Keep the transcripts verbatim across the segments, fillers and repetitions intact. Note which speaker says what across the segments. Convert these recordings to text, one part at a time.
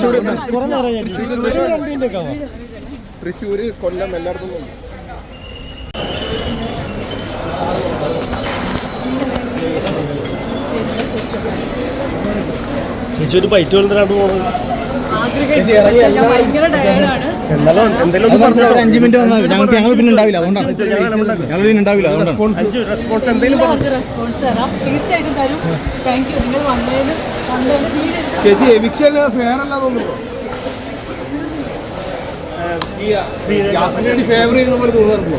Speaker 1: തൃശ്ശൂര്, കൊല്ലം എല്ലായിടത്തും
Speaker 2: ചേച്ചി ഒരു ബൈറ്റ് വന്നിട്ടാണ് പോകുന്നത്.
Speaker 3: അഞ്ചു മിനിറ്റ് വന്നാൽ ഞങ്ങൾക്ക് ഞങ്ങൾ പിന്നെ ഉണ്ടാവില്ല, അതുകൊണ്ടാണ് ഞങ്ങൾ പിന്നെ ഉണ്ടാവില്ല, അതുകൊണ്ടാണ്.
Speaker 1: ചേച്ചി എവിക്ഷൻ ഫെയർ അല്ല തോന്നുന്നു, ഫേവർ ചെയ്യുന്ന പോലെ തോന്നാറുണ്ടോ?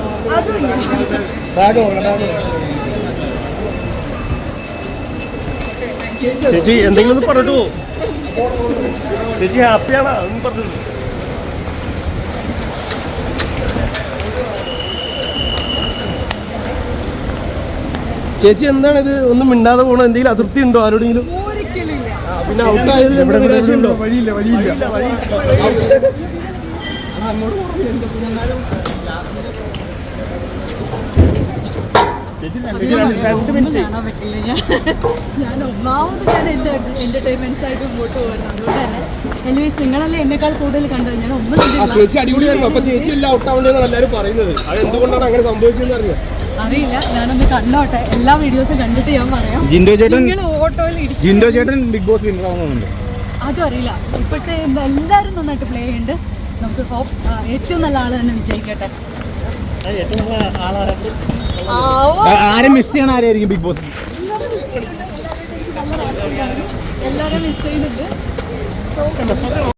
Speaker 2: ചേച്ചി എന്തെങ്കിലും ഒന്ന് പറഞ്ഞിട്ട് പോകും. ചേച്ചി ഹാപ്പിയാണോ അതൊന്നും പറഞ്ഞത്?
Speaker 1: ചേച്ചി എന്താണ് ഇത് ഒന്നും മിണ്ടാതെ പോകണം? എന്തെങ്കിലും അതിർത്തി ഉണ്ടോ ആരോടെങ്കിലും? പിന്നെ ഔട്ടായത് ഉണ്ടോ? വഴിയില്ല വഴിയില്ല
Speaker 4: ഞാൻ ഒന്നാമത് ഞാൻ എൻ്റെ എന്റർടൈൻമെന്റ്സ് ആയിട്ട് മുമ്പോട്ട് പോകുന്നു. അതുകൊണ്ട് തന്നെ എനിവേസ് നിങ്ങളല്ലേ എന്നെക്കാൾ കൂടുതൽ കണ്ടത്. ഞാൻ ഒന്നും
Speaker 1: ചേച്ചി അടിപൊളിയായിരുന്നു. അപ്പൊ ചേച്ചി എല്ലാം ഔട്ടാവേണ്ടതെന്നാണ് എല്ലാവരും പറയുന്നത്. അത് എന്തുകൊണ്ടാണ് അങ്ങനെ സംഭവിച്ചതെന്ന് അറിയാം
Speaker 4: അറിയില്ല. ഞാനൊന്ന് കണ്ടോട്ടെ, എല്ലാ വീഡിയോസും കണ്ടിട്ട് ഞാൻ പറയാം.
Speaker 3: ജിൻഡോ ചേട്ടൻ
Speaker 4: ഓട്ടോയിൽ
Speaker 3: ജിൻഡോ ചേട്ടൻ ബിഗ് ബോസ് വിന്നർ ആവുന്നുണ്ട്.
Speaker 4: അതും അറിയില്ല. ഇപ്പോഴത്തെ എല്ലാവരും നന്നായിട്ട് പ്ലേ ചെയ്യുന്നുണ്ട്. നമുക്ക് ഹോപ്പ് ഏറ്റവും നല്ല ആൾ തന്നെ വിജയിക്കട്ടെ.
Speaker 3: ആരും മിസ് ചെയ്യണ ആരായിരിക്കും ബിഗ് ബോസ്?
Speaker 4: എല്ലാവരും മിസ് ചെയ്യുന്നുണ്ട്.